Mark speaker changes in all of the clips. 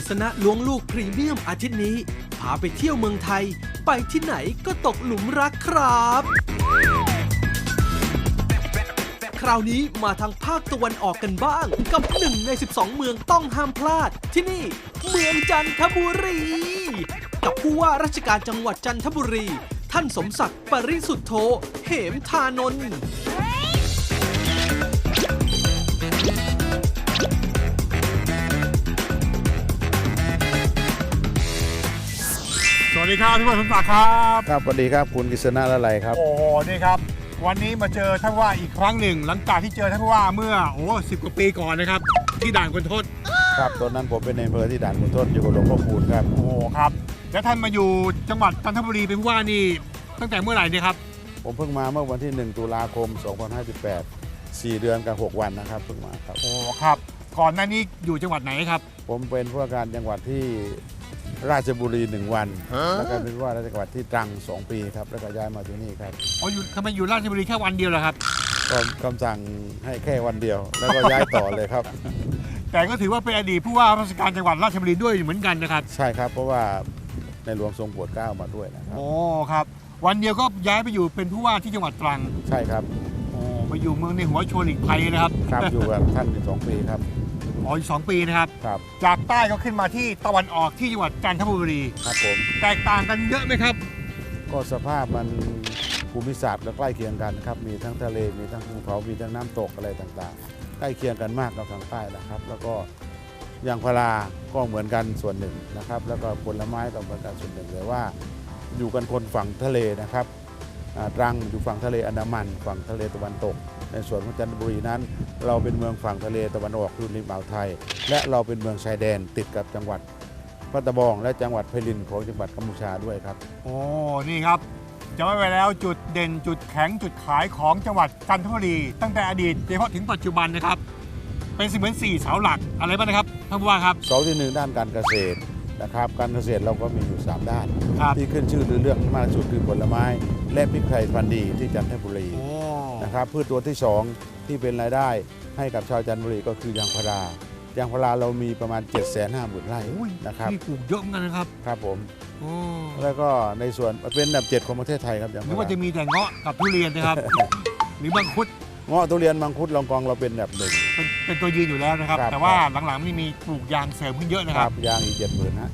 Speaker 1: ฤษณะล้วงลูกพรีเมียมอาทิตย์นี้พาไปเที่ยวเมืองไทยไปที่ไหนก็ตกหลุมรักครับคราวนี้มาทางภาคตะวันออกกันบ้างกับ1 ใน 12 เมืองต้องห้ามพลาดที่นี่เมืองจันทบุรีกับผู้ว่าราชการจังหวัดจันทบุรีท่านสมศักดิ์ปริสุทธโธเหมธานนท์
Speaker 2: สวัสดีครับพี่ว่าสมศักดิ์ครับ
Speaker 3: ครับสวัสดีครับคุณกฤษณะละไลครับ
Speaker 2: โอ้โหนี่ครับวันนี้มาเจอท่านผู้ว่าอีกครั้งหนึ่งหลังจากที่เจอท่านผู้ว่าเมื่อ10 กว่าปีก่อนนะครับที่ด่านคุณทศ
Speaker 3: ครับตอนนั้นผมเป็นในอำเภอที่ด่านขุนทดอยู่กับหลวงพ่อคูณครับ
Speaker 2: โอ้ครับแล้วท่านมาอยู่จังหวัดจันทบุรีเป็นผู้ว่านี่ตั้งแต่เมื่อไหร่เนี่ยครับ
Speaker 3: ผมเพิ่งมาเมื่อวันที่1 ตุลาคม 2518 4 เดือนกับ 6 วันนะครับเพิ่งมาครับ
Speaker 2: โอ้ครับก่อนหน้านี้อยู่จังหวัดไหนครับ
Speaker 3: ผมเป็นผู้ว่าการจังหวัดที่ราชบุรี 1 วันแล้วก็เป็นผู้ว่าราชการจังหวัดที่ตรัง 2 ปีครับแล้วก็ย้ายมาที่นี่ครับ
Speaker 2: อยู่ทำไมอยู่ราชบุรีแค่วันเดียวเหรอครับ
Speaker 3: ก็คำสั่งให้แค่วันเดียว แล้วก็ย้ายต่อเลยครับ
Speaker 2: แต่ก็ถือว่าเป็นอดีตผู้ว่าราชการจังหวัดราชบุรีด้วยเหมือนกันนะครับ
Speaker 3: ใช่ครับเพราะว่าในหลวงทรงโปรดเกล้ามาด้วยนะครับ
Speaker 2: โอ้ครับวันเดียวก็ย้ายไปอยู่เป็นผู้ว่าที่จังหวัดตรัง
Speaker 3: ใช่ครับ
Speaker 2: โอ้มาอยู่เมืองในหัวชวนหลีกภัยนะครับ
Speaker 3: ครับอยู่กับท่านอยู่2 ปีครับ
Speaker 2: อยู่2 ปีนะครับ
Speaker 3: ครับ
Speaker 2: จากใต้ก็ขึ้นมาที่ตะวันออกที่จังหวัดจันทบุรี
Speaker 3: ครับผม
Speaker 2: แตกต่างกันเยอะไหมครับ
Speaker 3: ก็สภาพมันภูมิศาสตร์ก็ใกล้เคียงกันครับมีทั้งทะเลมีทั้งภูเขามีทั้งน้ำตกอะไรต่างๆ ใกล้เคียงกันมากกับทางใต้นะครับ แล้วก็ยางพาราก็เหมือนกันส่วนหนึ่งนะครับ แล้วก็ผลไม้ก็เหมือนกันส่วนหนึ่งแต่ว่าอยู่กันคนฝั่งทะเลนะครับตรังอยู่ฝั่งทะเลอันดามันฝั่งทะเลตะวันตก ในส่วนของจันทบุรีนั้น เราเป็นเมืองฝั่งทะเลตะวันออกคือริมอ่าวไทย และเราเป็นเมืองชายแดนติดกับจังหวัดพัทบองและจังหวัดไพลินของจังหวัดกัมพูชาด้วยครับ
Speaker 2: โอ้นี่ครับจะไม่ไปแล้วจุดเด่นจุดแข็งจุดขายของจังหวัดจันทบุรีตั้งแต่อดีตโดยเฉพาะถึงปัจจุบันนะครับเป็นเสมือน4 เสาหลักอะไรบ้างนะครับท่านผู้ว่าครับ
Speaker 3: เสาที่ 1 ด้านการเกษตรนะครับการเกษตรเราก็มีอยู่ 3 ด้าน
Speaker 2: ครับ
Speaker 3: ที่ขึ้นชื่อเรื่องมากที่สุดคือผลไม้ และพริกไทยพันธุ์ดีที่จันทบุรี
Speaker 2: โอ้
Speaker 3: นะครับพืชตัวที่ 2 ที่เป็นรายได้ให้กับชาวจันทบุรีก็คือยางพารายางพาราเรามีประมาณ 750,000 ไร่
Speaker 2: โอ้ย
Speaker 3: นะครับ
Speaker 2: นี่ปลูกเยอะเหมือนกันนะครับ
Speaker 3: ครับผม
Speaker 2: โอ้
Speaker 3: แล้วก็ในส่วนเป็นอันดับ 7 ของประเทศไทยครับยาง
Speaker 2: นึ
Speaker 3: พาก
Speaker 2: ว่า
Speaker 3: รา
Speaker 2: จะมีแต่เงาะกับทุเรียนนะครับ หรือมังคุด
Speaker 3: เงาะทุเรียนมังคุดลองกองเราเป็นอันดับ 1
Speaker 2: เป็นตัวยืนอยู่แล้วนะครับ
Speaker 3: ครับ
Speaker 2: แต่ว่าหลังๆนี่มีปลูกยางเสริมขึ้นเยอะนะ
Speaker 3: ค
Speaker 2: ค
Speaker 3: รั
Speaker 2: รั
Speaker 3: บบ ยางอีก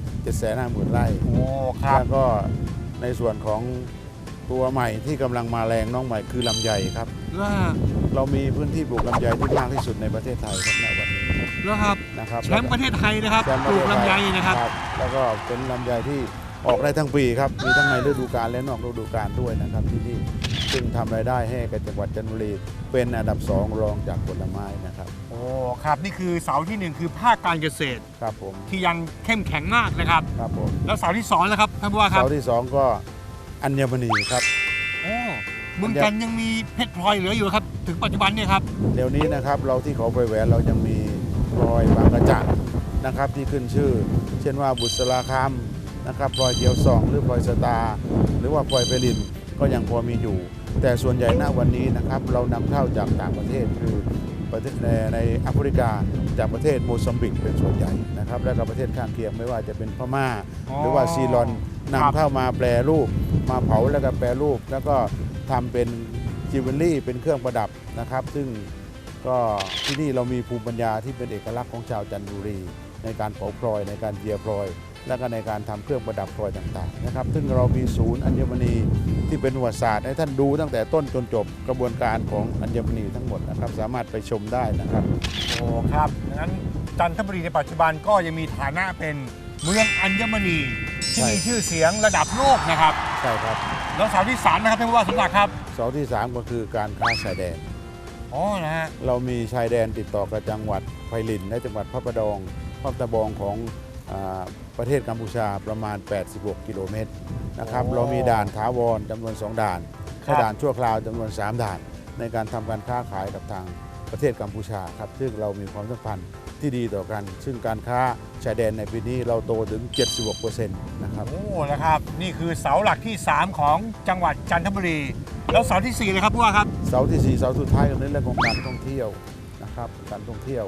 Speaker 3: 750,000 ไร่
Speaker 2: โอ้ครับ
Speaker 3: แล้วก็ในส่วนของตัวใหม่ที่กำลังมาแรงน้องใหม่คือลำไยครับ
Speaker 2: แล้ว
Speaker 3: เรามีพื้นที่ปลูกลำไยที่มากที่สุดในประเทศไทยครับณวันนี้
Speaker 2: แล้วครับ
Speaker 3: นะครับ
Speaker 2: แชมป์ประเทศไทยนะครับ
Speaker 3: แชมป์
Speaker 2: ป
Speaker 3: ประ
Speaker 2: ลู
Speaker 3: เท
Speaker 2: ก
Speaker 3: ศ
Speaker 2: ลำไย
Speaker 3: ท
Speaker 2: นะครับ
Speaker 3: แล้วก็เป็นลำไยที่ออกได้ทั้งปีครับมีทั้งในฤดูกาลและนอกฤดูกาลด้วยนะครับที่นี่ซึ่งทำรายได้ให้กับจังหวัดจันทบุรีเป็นอันดับ 2 รองจากผลไม้นะครับ
Speaker 2: โอ้ครับนี่คือเสาที่ 1 คือภาคการเกษตร
Speaker 3: ครับผม
Speaker 2: ที่ยังเข้มแข็งมากนะครับ
Speaker 3: ครับผม
Speaker 2: แล้วเสาที่2นะครับท่านผู้ว่าครับ
Speaker 3: เสาที่ 2 ก็อัญมณีครับ
Speaker 2: โอ้เมืองจันทร์ยังมีเพชรพลอยเหลืออยู่ครับถึงปัจจุบันเนี่ยครับ
Speaker 3: เดี๋ยวนี้นะครับเราที่เขาไปแหวนเรายังมีพลอยบางกระจักนะครับที่ขึ้นชื่อ เช่นว่าบุษราคำนะครับพลอยเกียวซองหรือพลอยสตาร์หรือว่าพลอยเปรินก็ยังพอมีอยู่ แต่ส่วนใหญ่ณวันนี้นะครับเรานำเข้าจากต่างประเทศคือประเทศในแอฟริกาจากประเทศโมซัมบิกเป็นส่วนใหญ่นะครับและก็ประเทศข้างเคียงไม่ว่าจะเป็นพม่า หรือว่าซีรอนนำเข้ามาแปรรูปมาเผาแล้วก็แปรรูปแล้วก็ทำเป็นจิวเวลรี่เป็นเครื่องประดับนะครับ ซึ่งก็ที่นี่เรามีภูมิปัญญาที่เป็นเอกลักษณ์ของชาวจันทบุรี ในการเผาพลอยในการเจียพลอย และก็ในการทำเครื่องประดับพลอยต่างๆนะครับซึ่งเรามีศูนย์อัญมณีที่เป็นประวัติศาสตร์ให้ท่านดูตั้งแต่ต้นจนจบกระบวนการของอัญมณีทั้งหมดนะครับสามารถไปชมได้นะครับ
Speaker 2: โอ้ครับงั้นจันทบุรีในปัจจุบันก็ยังมีฐานะเป็นเมืองอัญมณีที่
Speaker 3: ใช่
Speaker 2: มีชื่อเสียงระดับโลกนะครับ
Speaker 3: ใช่ครับ
Speaker 2: แล้วเสาที่3นะครับท่านผู้ว่าสมศักดิ์ครับ
Speaker 3: เสาที่ 3 ก็คือการค้าชายแดน
Speaker 2: อ๋อนะฮะ
Speaker 3: เรามีชายแดนติดต่อกับจังหวัดไพลินและจังหวัดพระประแดงพัทบองของประเทศกัมพูชาประมาณ 86 กิโลเมตรนะครับเรามีด่านถาวรจำนวน 2 ด่านและด่านชั่วคราวจำนวน 3 ด่าน ในการทำการค้าขายกับทางประเทศกัมพูชาครับซึ่งเรามีความสัมพันธ์ที่ดีต่อกัน ซึ่งการค้าชายแดนในปีนี้เราโตถึง 76% นะครับ
Speaker 2: โอ้นะครับนี่คือเสาหลักที่ 3 ของจังหวัดจันทบุรี แล้วเสาที่4เลยครับผู้ว่าครับ
Speaker 3: เสาที่ 4 เสาสุดท้ายก็ในเรื่องของการท่องเที่ยวนะครับการท่องเที่ยว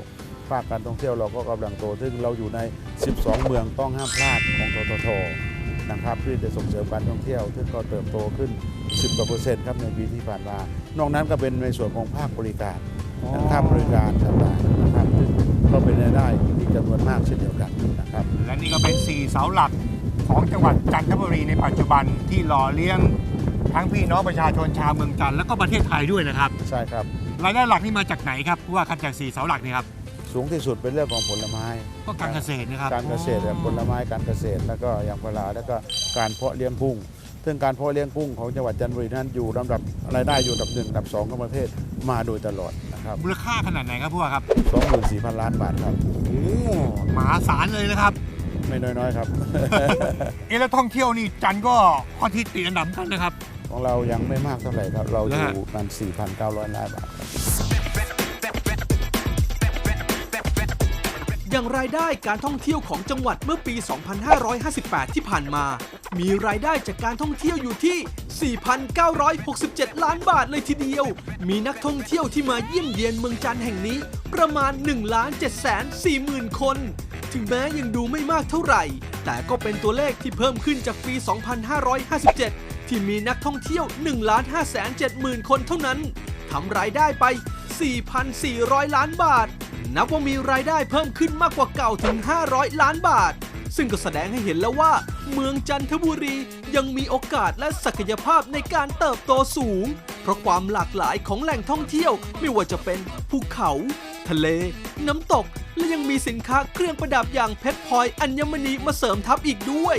Speaker 3: ภาคการท่องเที่ยวเราก็กำลังโตซึ่งเราอยู่ใน 12 เมืองต้องห้ามพลาดของทททนะครับที่จะส่งเสริมการท่องเที่ยวซึ่งก็เติบโตขึ้น 10% ครับในปีที่ผ่านมานอกนั้นก็เป็นในส่วนของภาคบริการภาคบริการต่างๆนะครับซึ่งก็เป็นรายได้ที่จำนวนมากเช่นเดียวกันนะครับ
Speaker 2: และนี่ก็เป็น 4 เสาหลักของจังหวัดจันทบุรีในปัจจุบันที่หล่อเลี้ยงทั้งพี่น้องประชาชนชาวเมืองจันทร์และก็ประเทศไทยด้วยนะครับ
Speaker 3: ใช่ครับ
Speaker 2: รายได้หลักนี่มาจากไหนครับผู้ว่าครับจาก 4 เสาหลักนี่ครับ
Speaker 3: สูงที่สุดเป็นเรื่องของผลไม้
Speaker 2: ก็การเกษตรนะครับ
Speaker 3: การเกษตรผลไม้การเกษตรแล้วก็ยางพาราแล้วก็การเพาะเลี้ยงกุ้งซึ่งการเพาะเลี้ยงกุ้งของจังหวัดจันทบุรีนั้นอยู่ลำดับรายได้อยู่อันดับ 1 อันดับ 2 ของประเทศมาโดยตลอดนะครับ
Speaker 2: มูลค่าขนาดไหนครับผู้ว่าครับ
Speaker 3: 24,000 ล้านบาทครับ
Speaker 2: โอ้มหาศาลเลยนะครับ
Speaker 3: ไม่น้อยๆครับ
Speaker 2: แล้วท่องเที่ยวนี่จันทร์ก็ค่อนที่ติดอันดับกันนะครับ
Speaker 3: ของเรายังไม่มากเท่าไหร่ครับเราอยู่กัน 4,900 ล้านบาทครับ
Speaker 1: อย่างรายได้การท่องเที่ยวของจังหวัดเมื่อปี 2558 ที่ผ่านมา มีรายได้จากการท่องเที่ยวอยู่ที่ 4,967 ล้านบาทเลยทีเดียว มีนักท่องเที่ยวที่มาเยี่ยมเยียนเมืองจันทร์แห่งนี้ประมาณ 1,740,000 คน ถึงแม้ยังดูไม่มากเท่าไหร่ แต่ก็เป็นตัวเลขที่เพิ่มขึ้นจากปี 2557 ที่มีนักท่องเที่ยว 1,570,000 คนเท่านั้นทำรายได้ไป 4,400 ล้านบาท นับว่ามีรายได้เพิ่มขึ้นมากกว่าเก่าถึง 500 ล้านบาท ซึ่งก็แสดงให้เห็นแล้วว่า เมืองจันทบุรียังมีโอกาสและศักยภาพในการเติบโตสูง เพราะความหลากหลายของแหล่งท่องเที่ยวไม่ว่าจะเป็นภูเขา ทะเล น้ำตก และยังมีสินค้าเครื่องประดับอย่างเพชรพลอยอัญมณีมาเสริมทัพอีกด้วย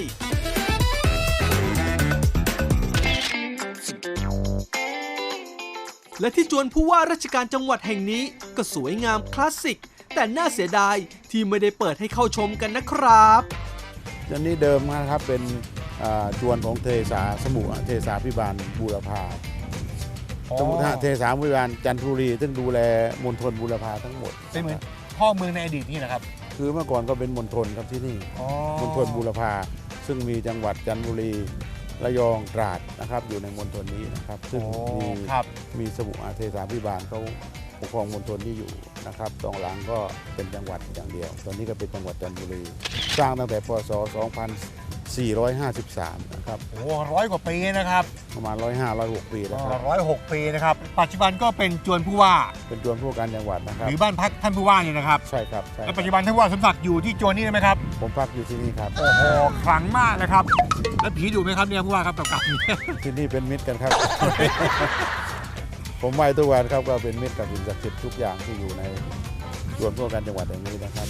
Speaker 1: และที่จวนผู้ว่าราชการจังหวัดแห่งนี้ก็สวยงามคลาสสิก แต่น่าเสียดายที่ไม่ได้เปิดให้เข้าชมกันนะครับ
Speaker 3: อันนี้เดิมนะครับเป็นจวนของเทสาสมุเทสาพิบาลบูรพาสมุเทสาพิบาลจันทบุรีซึ่งดูแลมณฑลบูรพาทั้งหมด
Speaker 2: เป็นเหมือนพ่อเมืองในอดีตนี่นะครับ
Speaker 3: คือเมื่อก่อนก็เป็นมณฑลครับที่นี่มณฑลบูรพาซึ่งมีจังหวัดจันทบุรีระยองตราดนะครับอยู่ในมณฑลนี้นะครับซึ่งมีสมุเทสาพิบาลเขาปกครองมณฑลนี้อยู่นะครับตรงหลังก็เป็นจังหวัดอย่างเดียวตอนนี้ก็เป็นจังหวัดจันทบุรีสร้างตั้งแต่พศ 2453 นะครับ
Speaker 2: โอ้100 กว่าปีนะครับ
Speaker 3: ประมาณ 105-106 ปีแล้วครับ
Speaker 2: 106 ปีนะครับปัจจุบันก็เป็นจวนผู้ว่า
Speaker 3: เป็นจวนผู้ว่าการจังหวัดนะครับ
Speaker 2: หรือบ้านพักท่านผู้ว่านี่นะครับ
Speaker 3: ใช่ครับใช่ค
Speaker 2: และ
Speaker 3: รับ
Speaker 2: ปัจจุบันท่านผู้ว่าสมศักดิ์อยู่ที่จวนนี้ได้ไหมครับ
Speaker 3: ผมพักอยู่ที่นี่ครับ
Speaker 2: โอ้โหขลังมากนะครับแล้วผีดุไหมครับเนี่ยผู้ว่าครับกับ
Speaker 3: ที่นี่เป็นมิตรกันครับ ผมไหว้ทุกวันครับก็เป็นมิตรกับสิ่งศักดิ์สิทธิ์ทุกอย่างที่อยู่ในส่วนพวกการจังหวัดแห่งนี้นะครับ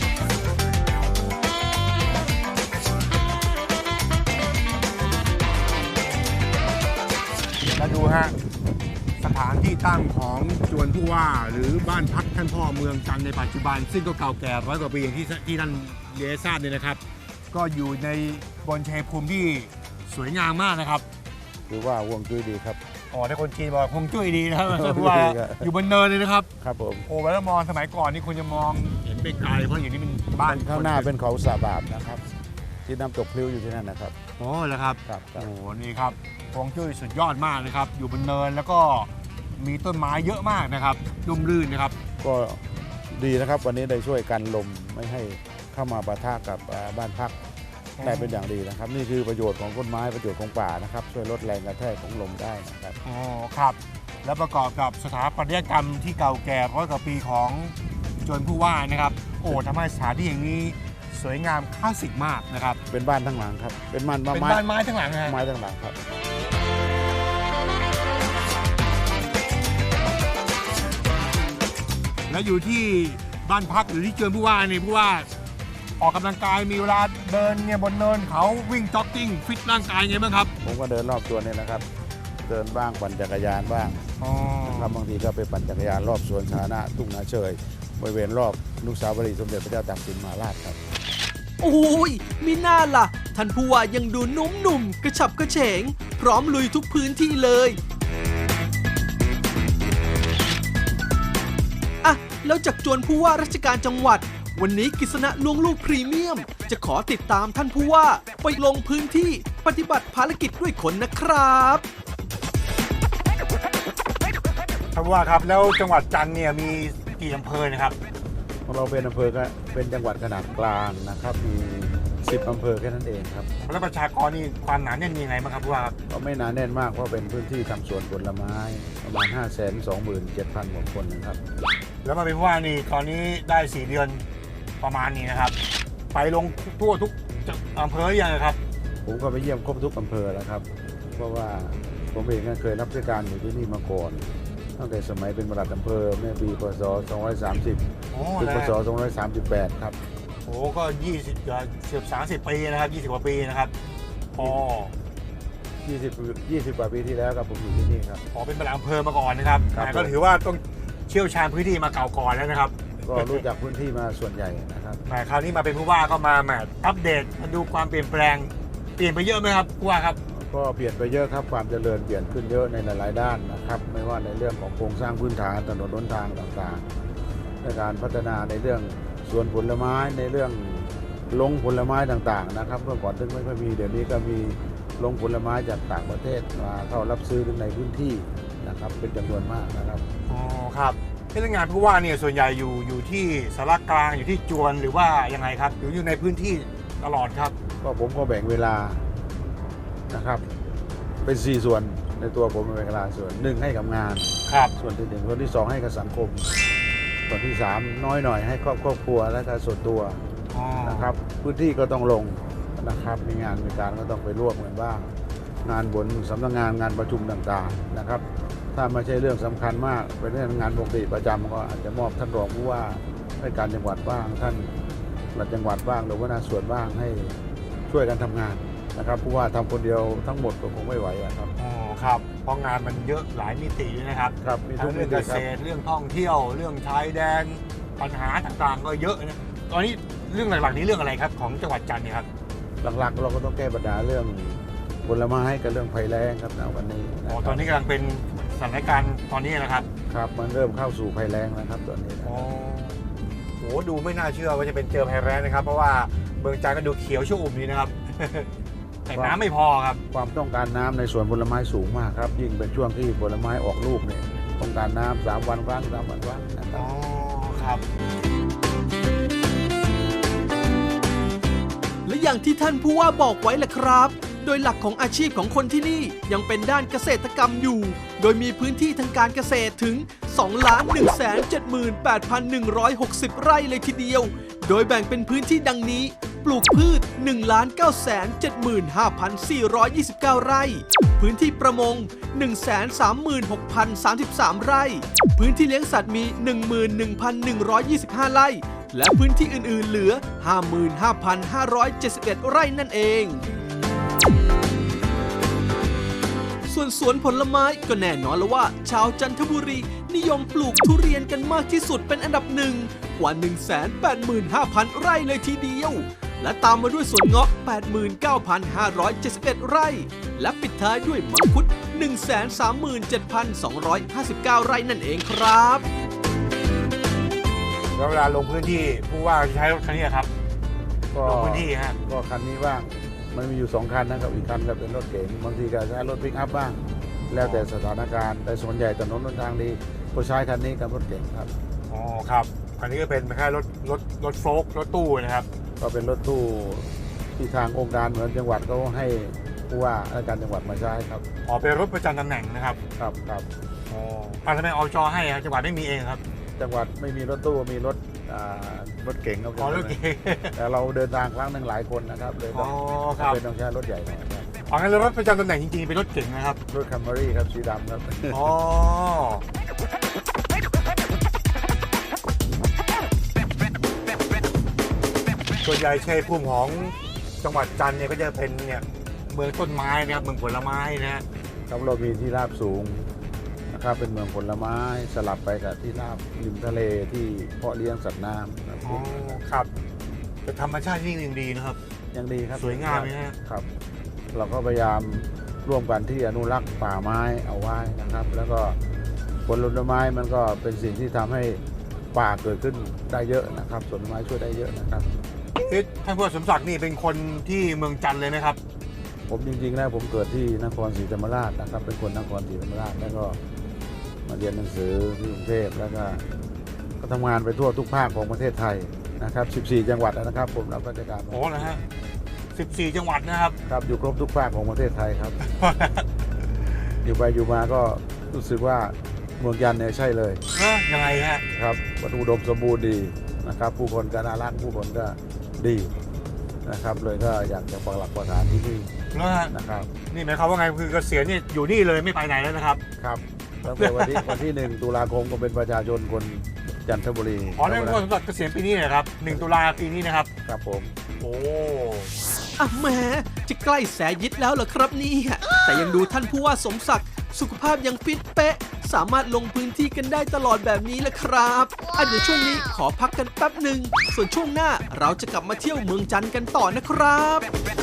Speaker 2: มาดูฮะสถานที่ตั้งของจวนผู้ว่าหรือบ้านพักท่านพ่อเมืองจันทร์ในปัจจุบัน ซึ่งก็เก่าแก่100 กว่าปีอย่างที่ท่านเรียนทราบเนี่ยนะครับ ก็อยู่ในบนชัยภูมิที่สวยงามมากนะครับ
Speaker 3: คือว่าห่วงจุ้ยดีครับ
Speaker 2: อ๋อถ้าคนจีนบอกคงจุ้ยดีนะครับผู้ว่าอยู่บนเนินเลยนะครับ
Speaker 3: ครับผม
Speaker 2: โอ้เวลามองสมัยก่อนนี่คุณจะมองเห็นไปไกลเพราะอย่างนี้เป็นบ้าน
Speaker 3: ข้างหน้าเป็นเขาสาบาบนะครับ ที่น้ำตกพลิ้วอยู่ที่นั่นนะครับ
Speaker 2: โอ้แล้วครับ
Speaker 3: ครับ
Speaker 2: โอ้โหนี่ครับฮวงจุ้ยสุดยอดมากนะครับ อยู่บนเนินแล้วก็มีต้นไม้เยอะมากนะครับร่มรื่นนะครับ
Speaker 3: ก็ดีนะครับวันนี้ได้ช่วยกันลมไม่ให้เข้ามาปะทะกับบ้านพักได้เป็นอย่างดีนะครับ นี่คือประโยชน์ของต้นไม้ประโยชน์ของป่านะครับช่วยลดแรงกระแทกของลมได้นะครับ
Speaker 2: อ๋อครับ แล้วประกอบกับสถาปัตยกรรมที่เก่าแก่100 กว่าปีของจวนผู้ว่านะครับ โอ้ทำให้สถานที่อย่างนี้สวยงามคลาสสิกมากนะครับ
Speaker 3: เป็นบ้านทั้งหลังครับเป็นบ้าน
Speaker 2: เป็น
Speaker 3: ไม้
Speaker 2: บ้านไม้ทั้งหลังนะฮะ
Speaker 3: ไม้ทั้งหลังครับ
Speaker 2: แล้วอยู่ที่บ้านพักหรือที่จวนผู้ว่าเนี่ยผู้ว่าออกกำลังกายมีเวลาเดินเนี่ยบนเนินเขาวิ่งจ็อกกิ้งฟิตร่างกายไงบ้างครับ
Speaker 3: ผมก็เดินรอบตัวนี่นะครับ เดินบ้างปั่นจักรยานบ้าง
Speaker 2: อ๋อ
Speaker 3: ครับบางทีก็ไปปั่นจักรยานรอบสวนสาธารณะทุ่งนาเชยบริเวณรอบอนุสาวรีย์สมเด็จพระเจ้าตากสินมหาราชครับ
Speaker 1: โอ้ยมีหน้าล่ะ ท่านผู้ว่ายังดูหนุ่มๆกระฉับกระเฉง พร้อมลุยทุกพื้นที่เลยอ่ะแล้วจากจวนผู้ว่าราชการจังหวัด วันนี้กฤษณะลวงลูกพรีเมียม จะขอติดตามท่านผู้ว่าไปลงพื้นที่ปฏิบัติภารกิจด้วยคนนะครับ
Speaker 2: ท่านผู้ว่าครับแล้วจังหวัดจันทร์เนี่ยมีกี่อำเภอนะครับ
Speaker 3: ของเราเป็นอำเภอก็เป็นจังหวัดขนาดกลางนะครับมี10 อำเภอแค่นั้นเองครับ
Speaker 2: แล้วประชากรนี่ความหนาแน่นยังไงบ้างครับผู้ว่าครับ
Speaker 3: ก็ไม่หนาแน่นมากเพราะเป็นพื้นที่ทำสวนผลไม้ประมาณ 527,000 กว่าคนนะครับ
Speaker 2: แล้วมาเป็นผู้ว่านี่ตอนนี้ได้4 เดือนประมาณนี้นะครับ ไปลงทั่วทุกอำเภอหรือยังครับ
Speaker 3: ผมก็ไปเยี่ยมครบทุกอำเภอแล้วครับ เพราะว่าผมเองก็เคยรับราชการอยู่ที่นี่มาก่อนตั้งแต่สมัยเป็นปลัดอำเภอเมื่อปีพศ 230
Speaker 2: โอ้
Speaker 3: ถึง
Speaker 2: นะ
Speaker 3: พศ 238 ครับ
Speaker 2: โอ้ก็20เกือบ30 ปีนะครับ20 กว่าปีนะครับพอ
Speaker 3: 20 กว่าปีที่แล้วครับผมอยู่ที่นี่ครับ
Speaker 2: ขอเป็นปลัดอำเภอมาก่อนนะครับ
Speaker 3: ครับ
Speaker 2: แต่ก็ถือว่าต้องเชี่ยวชาญพื้นที่มาเก่าก่อนแล้วนะครับ
Speaker 3: ก็รู้จักพื้นที่มาส่วนใหญ่นะครับ
Speaker 2: แหมคราวนี้มาเป็นผู้ว่าก็มาแหมอัปเดตมาดูความเปลี่ยนแปลงเปลี่ยนไปเยอะไหมครับผู้ว่าครับ
Speaker 3: ก็เปลี่ยนไปเยอะครับความเจริญเปลี่ยนขึ้นเยอะในหลายๆด้านนะครับ ไม่ว่าในเรื่องของโครงสร้างพื้นฐานถนนหนทางต่างๆในการพัฒนาในเรื่องสวนผลไม้ในเรื่องลงผลไม้ต่างๆนะครับเมื่อก่อนซึ่งไม่ค่อยมีเดี๋ยวนี้ก็มีลงผลไม้จากต่างประเทศมาเข้ารับซื้อในพื้นที่นะครับเป็นจำนวนมากนะครับ
Speaker 2: อ๋อครับพนักงานผู้ว่าเนี่ยส่วนใหญ่อยู่ที่สารกลางอยู่ที่จวนหรือว่ายังไงครับอยู่ในพื้นที่ตลอดครับ
Speaker 3: ก็ผมก็แบ่งเวลานะครับเป็น 4 ส่วนในตัวผมเป็นเวลาส่วนหนึ่งให้กับงาน
Speaker 2: ครับ
Speaker 3: ส่วนที่หนึ่งส่วนที่สองให้กับสังคม ส่วนที่สามน้อยหน่อยให้ครอบครัวและก็ส่วนตัว
Speaker 2: อ๋อ
Speaker 3: นะครับพื้นที่ก็ต้องลงนะครับมีงานมีการก็ต้องไปร่วมกันบ้าง งานบนสำนักงานงานประชุมต่างๆนะครับ ถ้าไม่ใช่เรื่องสำคัญมากเป็นเรื่องงานปกติประจำก็อาจจะมอบท่านรองผู้ว่าราชการจังหวัดบ้างท่านปลัดจังหวัดบ้างหรือว่าหน้าส่วนบ้างให้ช่วยกันทำงานนะครับผู้ว่าทำคนเดียวทั้งหมดก็คงไม่ไหวอะครับ
Speaker 2: อ๋อครับเพราะงานมันเยอะหลายมิตินะครับ
Speaker 3: ครับมีทุ
Speaker 2: ทั้
Speaker 3: ก
Speaker 2: ง
Speaker 3: มิ
Speaker 2: เรื่อง
Speaker 3: ติ
Speaker 2: เก
Speaker 3: ครั
Speaker 2: ษ
Speaker 3: บ
Speaker 2: ตรเรื่องท่องเที่ยวเรื่องชายแดนปัญหาต่างๆ ก็เยอะนะตอนนี้เรื่องหลักๆนี้เรื่องอะไรครับของจังหวัดจันทร์เนี่ยครับ
Speaker 3: หลักๆเราก็ต้องแก้ปัญหาเรื่องผลไม้กับเรื่องภัยแล้งครับณวันนี้ะ
Speaker 2: อ๋อ
Speaker 3: ครับ
Speaker 2: ตอนนี้กำลังเป็นสถานการณ์ตอนนี้นะครับ
Speaker 3: ครับมันเริ่มเข้าสู่ภัยแล้งแล้วครับตอนนี้นะ
Speaker 2: อ๋อโหดูไม่น่าเชื่อว่าจะเป็นเจอภัยแล้งนะครับ เพราะว่าเมืองจันทร์ก็ดูเขียวชุ่มดีนะครับ แต่น้ำไม่พอครับ
Speaker 3: ความต้องการน้ำในสวนผลไม้สูงมากครับ ยิ่งเป็นช่วงที่ผลไม้ออกลูกเนี่ยต้องการน้ำ3 วันครั้ง3 วันครั้งนะครั
Speaker 2: อ๋
Speaker 3: บ
Speaker 2: อครับ
Speaker 1: และอย่างที่ท่านผู้ว่าบอกไว้แหละครับ โดยหลักของอาชีพของคนที่นี่ยังเป็นด้านเกษตรกรรมอยู่ โดยมีพื้นที่ทางการเกษตรถึง 2,178,160 ไร่เลยทีเดียว โดยแบ่งเป็นพื้นที่ดังนี้ ปลูกพืช 1,975,429 ไร่ พื้นที่ประมง 136,033 ไร่ พื้นที่เลี้ยงสัตว์มี 11,125 ไร่ และพื้นที่อื่นๆเหลือ 55,571 ไร่นั่นเอง ส่วนสวนผลไม้ก็แน่นอนแล้วว่า ชาวจันทบุรีนิยมปลูกทุเรียนกันมากที่สุดเป็นอันดับหนึ่งกว่า 185,000 ไร่เลยทีเดียว และตามมาด้วยสวนเงาะ 89,571 ไร่ และปิดท้ายด้วยมังคุด 137,259 ไร่นั่นเองครับ
Speaker 2: แล้วเวลาลงพื้นที่ผู้ว่าจะใช้รถคันนี้ครับ
Speaker 3: ก็
Speaker 2: ลงพื้นที่ฮะ
Speaker 3: ก็คันนี้บ้างมันมีอยู่ 2 คันนะครับอีกคันก็เป็นรถเก๋งบางทีก็ใช้รถปิกอัพบ้าง แล้วแต่สถานการณ์แต่ส่วนใหญ่ถนนหนทางดีก็ใช้คันนี้กับรถเก๋งครับ
Speaker 2: อ๋อครับคันนี้ก็เป็นแค่รถโฟล์กรถตู้นะครับ
Speaker 3: ก็เป็นรถตู้ที่ทางองค์การเหมือนจังหวัดเขาให้ผู้ว่าราชการจังหวัดมาใช้ครับ
Speaker 2: อ๋อเป็นรถประจำตำแหน่งนะครับ
Speaker 3: ครับครับ
Speaker 2: อ๋อทำไมอจให้ครับจังหวัดไม่มีเองครับ
Speaker 3: จังหวัดไม่มีรถตู้มีรถรถเก๋งครับ
Speaker 2: อ๋อรถเก๋ง
Speaker 3: แต่เราเดินทางครั้งหนึ่งหลายคนนะครับเลย
Speaker 2: อ๋
Speaker 3: ต้
Speaker 2: อ
Speaker 3: อง
Speaker 2: ครับ
Speaker 3: เป็นต้องใช้รถใหญ่หน่อยครับ
Speaker 2: อ๋องั้นรถประจำตำแหน่งจริงๆเป็นรถเก๋งนะครับ
Speaker 3: รถคัมเบอรี่ครับสีดำครับ
Speaker 2: อ๋อส่วนใหญ่ชัยภูมิของจังหวัดจันทร์เนี่ยก็จะเป็นเนี่ยเมืองต้นไม้นะครับเมืองผลไม้นะฮะ
Speaker 3: ครับเรามีที่ราบสูงนะครับเป็นเมืองผลไม้สลับไปกับที่ราบริมทะเลที่เพาะเลี้ยงสัตว์น้ำครับ
Speaker 2: อ๋อครับแต่ธรรมชาติที่นี่ยังดีนะครับ
Speaker 3: ยังดีครับ
Speaker 2: สวยงามไหมฮะ
Speaker 3: ครับ เราก็พยายามร่วมกันที่อนุรักษ์ป่าไม้เอาไว้นะครับ แล้วก็ผลไม้มันก็เป็นสิ่งที่ทำให้ป่าเกิดขึ้นได้เยอะนะครับผลไม้ช่วยได้เยอะนะครับ
Speaker 2: ท่านผู้ว่าสมศักดิ์นี่เป็นคนที่เมืองจันทร์เลยไหมครับ
Speaker 3: ผมจริงๆแล้วผมเกิดที่นครศรีธรรมราชนะครับ เป็นคนนครศรีธรรมราชแล้วก็มาเรียนหนังสือที่กรุงเทพแล้วก็ทำงานไปทั่วทุกภาคของประเทศไทยนะครับ 14 จังหวัดนะครับผมรับราชการ
Speaker 2: โอ้นะฮะ14 จังหวัดนะครับ
Speaker 3: ครับอยู่ครบทุกภาคของประเทศไทยครับ อยู่ไปอยู่มาก็รู้สึกว่าเมืองจันทร์เนี่ยใช่เลย
Speaker 2: ยังไงฮะ
Speaker 3: ครับวัตถุอุดมสมบูรณ์ดีนะครับผู้คนก็น่ารักผู้คนก็ดีนะครับเลยก็อยากจะปักหลักปักฐานที่นี่
Speaker 2: แล้วฮะ
Speaker 3: นะครับ
Speaker 2: นี่หมายความว่าไงคือเกษียณนี่อยู่นี่เลยไม่ไปไหนแล้วนะครับ
Speaker 3: ครับตั้งแต่วันที่ 1 ตุลาคมก็เป็นประชาชนคนจันทบุรี
Speaker 2: อ๋อนั่นก็สำหรับเกษียณปีนี้นะครับ1 ตุลาปีนี้นะครับ
Speaker 3: ครับผม
Speaker 2: โอ้
Speaker 1: อ่ะแหมจะใกล้แสยิดแล้วเหรอครับเนี่ยแต่ยังดูท่านผู้ว่าสมศักดิ์สุขภาพยังฟิตเป๊ะ สามารถลงพื้นที่กันได้ตลอดแบบนี้แหละครับเดี๋ยวช่วงนี้ขอพักกันแป๊บหนึ่งส่วนช่วงหน้าเราจะกลับมาเที่ยวเมืองจันทร์กันต่อนะครับ